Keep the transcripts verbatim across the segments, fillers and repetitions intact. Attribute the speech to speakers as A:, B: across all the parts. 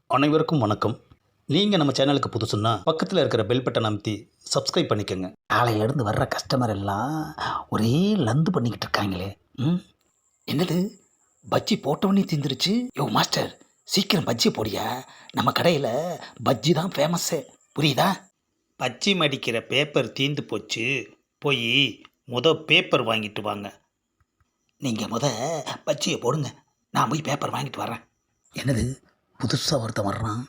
A: அனைவருக்கும் வணக்கம். நீங்கள் நம்ம சேனலுக்கு புதுசுன்னா பக்கத்தில் இருக்கிற பெல் பட்டன் அமைத்தி சப்ஸ்கிரைப் பண்ணிக்கோங்க.
B: காலையிலேருந்து வர்ற கஸ்டமர் எல்லாம் ஒரே லந்து பண்ணிக்கிட்டு இருக்காங்களே. ம் என்னது பஜ்ஜி போட்டவொடனே தீந்துருச்சு. யோ மாஸ்டர், சீக்கிரம் பஜ்ஜி போடியா. நம்ம கடையில் பஜ்ஜி தான் ஃபேமஸ்ஸு, புரியுதா?
A: பச்சி மடிக்கிற பேப்பர் தீந்து போச்சு, போய் முத பேப்பர் வாங்கிட்டு வாங்க.
B: நீங்கள் முத பஜ்ஜியை போடுங்க, நான் போய் பேப்பர் வாங்கிட்டு வரேன். என்னது புதுசாக ஒருத்தன் வர்றான்.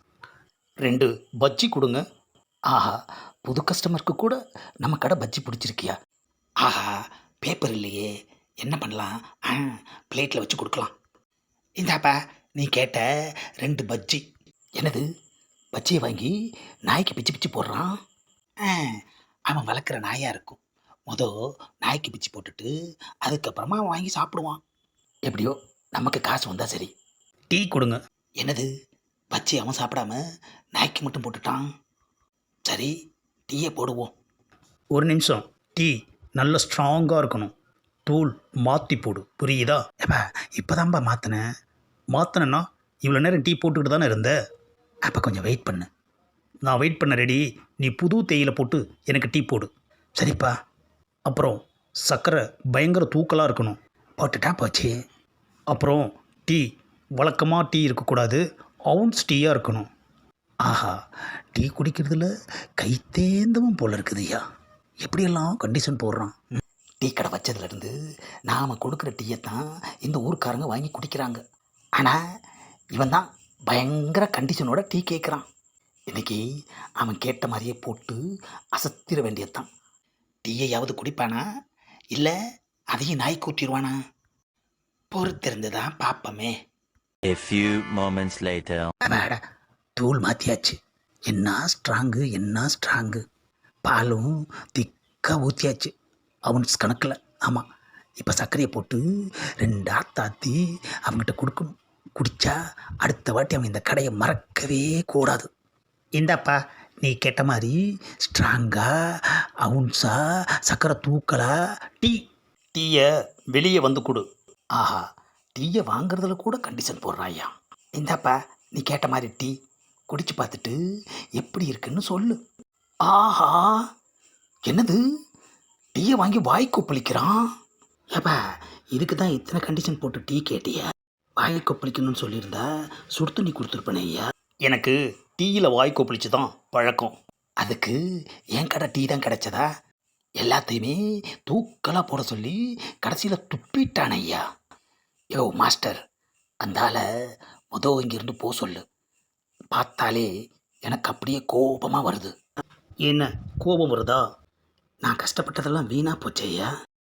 A: ரெண்டு பஜ்ஜி கொடுங்க.
B: ஆஹா, புது கஸ்டமருக்கு கூட நம்ம கடை பஜ்ஜி பிடிச்சிருக்கியா? ஆஹா, பேப்பர் இல்லையே, என்ன பண்ணலாம்? ஆ, பிளேட்டில் வச்சு கொடுக்கலாம். இந்தாப்பா, நீ கேட்ட ரெண்டு பஜ்ஜி. என்னது, பஜ்ஜியை வாங்கி நாய்க்கு பிச்சு பிச்சு போடுறான். ஆ, அவன் வளர்க்குற நாயாக இருக்கும். மொதல் நாய்க்கு பிச்சு போட்டுட்டு அதுக்கப்புறமா அவன் வாங்கி சாப்பிடுவான். எப்படியோ நமக்கு காசு வந்தால் சரி.
A: டீ கொடுங்க.
B: என்னது, பஜ்ஜி அவன் சாப்பிடாம நாய்க்கு மட்டும் போட்டுட்டான். சரி, டீயை போடுவோம்.
A: ஒரு நிமிஷம், டீ நல்ல ஸ்ட்ராங்காக இருக்கணும். தூள் மாற்றி போடு, புரியுதா?
B: ஏப்பா, இப்போதான்ப்பா மாற்றினேன்.
A: மாற்றினேன்னா இவ்வளோ நேரம் டீ போட்டுக்கிட்டு தானே இருந்த.
B: அப்போ கொஞ்சம் வெயிட் பண்ணு.
A: நான் வெயிட் பண்ண ரெடி. நீ புது தேயிலை போட்டு எனக்கு டீ போடு.
B: சரிப்பா.
A: அப்புறம் சர்க்கரை பயங்கர தூக்கலாக இருக்கணும்.
B: போட்டுட்டா போச்சு.
A: அப்புறம் டீ வழக்கமாக டீ இருக்கக்கூடாது, அவுன்ஸ் டீயாக இருக்கணும்.
B: ஆஹா, டீ குடிக்கிறதுல கை தேந்தவும் போல இருக்குதுய்யா. எப்படியெல்லாம் கண்டிஷன் போடுறான். ம். டீ கடை வச்சதுலேருந்து நாம் கொடுக்குற டீயை தான் இந்த ஊர்க்காரங்க வாங்கி குடிக்கிறாங்க. ஆனால் இவன் தான் பயங்கர கண்டிஷனோட டீ கேட்குறான். இன்றைக்கி அவன் கேட்ட மாதிரியே போட்டு அசத்திர வேண்டியதுதான். டீயையாவது குடிப்பானா, இல்லை அதையும் நாய் கூட்டிடுவானா? பொறுத்திருந்து தான் பார்ப்போமே.
C: A few moments later.
B: அட, தூள் மாற்றியாச்சு. என்ன ஸ்ட்ராங்கு, என்ன ஸ்ட்ராங்கு. பாலும் திக்காக ஊற்றியாச்சு, அவன்ஸ் கணக்கில். ஆமாம், இப்போ சர்க்கரையை போட்டு ரெண்டு ஆத்தாத்தி அவங்ககிட்ட கொடுக்கணும். குடித்தா அடுத்த வாட்டி அவன் இந்த கடையை மறக்கவே கூடாது. இந்தாப்பா, நீ கேட்ட மாதிரி ஸ்ட்ராங்காக அவுன்ஸா சர்க்கரை தூக்கலா டீ.
A: டீயை வெளியே வந்து கொடு.
B: ஆஹா, டீயை வாங்குறதுல கூட கண்டிஷன் போடுறாயா. இந்தாப்பா, நீ கேட்ட மாதிரி டீ குடிச்சு பார்த்துட்டு எப்படி இருக்குன்னு சொல்லு. ஆஹா, என்னது, டீயை வாங்கி வாய் கொப்பளிக்கிறான். ஏப்பா, இதுக்கு தான் இத்தனை கண்டிஷன் போட்டு டீ கேட்டியா? வாய் கொப்பளிக்கணும்னு சொல்லியிருந்தா சுடு தண்ணி கொடுத்துருப்பேனே ஐயா.
A: எனக்கு டீயில் வாய் கொப்பளிச்சு தான் பழக்கம்.
B: அதுக்கு என் கடை டீ தான் கிடைச்சதா? எல்லாத்தையுமே தூக்கலாக போட சொல்லி கடைசியில் துப்பிட்டான் ஐயா. யோ மாஸ்டர், அந்தால மொதல் இங்கிருந்து போ சொல்லு. பார்த்தாலே எனக்கு அப்படியே கோபமாக வருது.
A: என்ன கோபம் வருதா?
B: நான் கஷ்டப்பட்டதெல்லாம் வீணாக போச்சு ஐயா.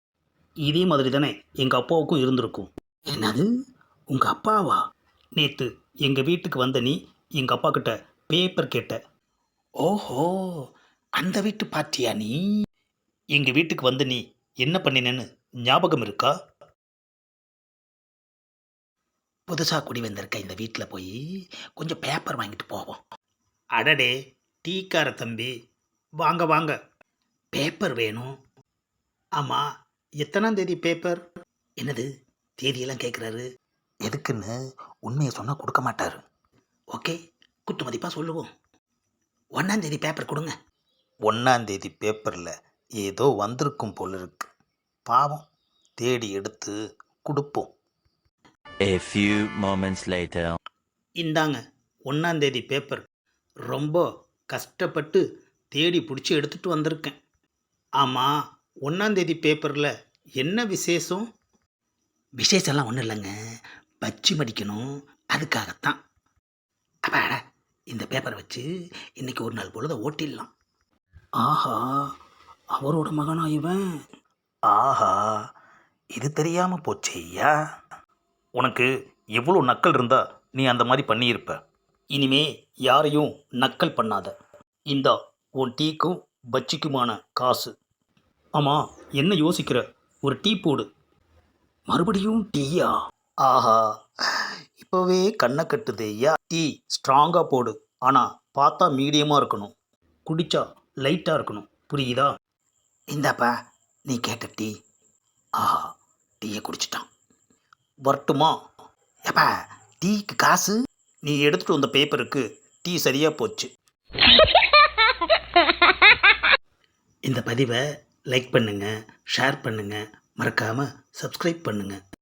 A: இதே மாதிரி தானே எங்கள் அப்பாவுக்கும் இருந்திருக்கும்.
B: என்னது, உங்கள் அப்பாவா?
A: நேற்று எங்கள் வீட்டுக்கு வந்த நீ எங்கள் அப்பா கிட்ட பேப்பர் கேட்ட.
B: ஓஹோ, அந்த வீட்டு பாட்டியா நீ?
A: எங்கள் வீட்டுக்கு வந்து நீ என்ன பண்ணினேன்னு ஞாபகம் இருக்கா?
B: புதுசாக குடி வந்திருக்க இந்த வீட்டில் போய் கொஞ்சம் பேப்பர் வாங்கிட்டு போவோம்.
A: அடடே, டீக்கார தம்பி, வாங்க வாங்க.
B: பேப்பர் வேணும்.
A: ஆமாம், எத்தனாம் தேதி பேப்பர்?
B: என்னது, தேதியெல்லாம் கேட்குறாரு. எதுக்குன்னு உண்மையை சொன்னால் கொடுக்க மாட்டார். ஓகே, குத்து மதிப்பாக சொல்லுவோம். ஒன்றாந்தேதி பேப்பர் கொடுங்க.
A: ஒன்றாந்தேதி பேப்பரில் ஏதோ வந்திருக்கும் போல இருக்கு. பாவம், தேடி எடுத்து கொடுப்போம்.
C: A few moments later.
A: இந்தாங்க ஒன்றாந்தேதி பேப்பர். ரொம்ப கஷ்டப்பட்டு தேடி பிடிச்சி எடுத்துகிட்டு வந்திருக்கேன். ஆமாம், ஒன்றாந்தேதி பேப்பரில் என்ன விசேஷம்?
B: விசேஷம்லாம் ஒன்றும் இல்லைங்க, பச்சி மடிக்கணும், அதுக்காகத்தான். அப்பாடா, இந்த பேப்பரை வச்சு இன்றைக்கி ஒரு நாள் பொழுத ஓட்டிடலாம். ஆஹா, அவரோட மகனா இவன்?
A: ஆஹா, இது தெரியாமல் போச்சே ஐயா. உனக்கு எவ்வளோ நக்கல் இருந்தால் நீ அந்த மாதிரி பண்ணியிருப்ப. இனிமே யாரையும் நக்கல் பண்ணாத. இந்தா உன் டீக்கும் பஜ்ஜிக்குமான காசு. ஆமாம், என்ன யோசிக்கிற? ஒரு டீ போடு.
B: மறுபடியும் டீயா?
A: ஆஹா, இப்போவே கண்ணை கட்டுது ஐயா. டீ ஸ்ட்ராங்காக போடு, ஆனால் பார்த்தா மீடியமாக இருக்கணும். குடித்தா லைட்டாக இருக்கணும், புரியுதா?
B: இந்தாப்பா, நீ கேட்ட டீ. ஆஹா, டீயை குடிச்சிட்டான்.
A: வரட்டுமா?
B: ஏப்பா, டீக்கு காசு?
A: நீ எடுத்துகிட்டு வந்த பேப்பருக்கு டீ சரியாக போச்சு.
B: இந்த பதிவை லைக் பண்ணுங்கள், ஷேர் பண்ணுங்கள், மறக்காமல் சப்ஸ்கிரைப் பண்ணுங்கள்.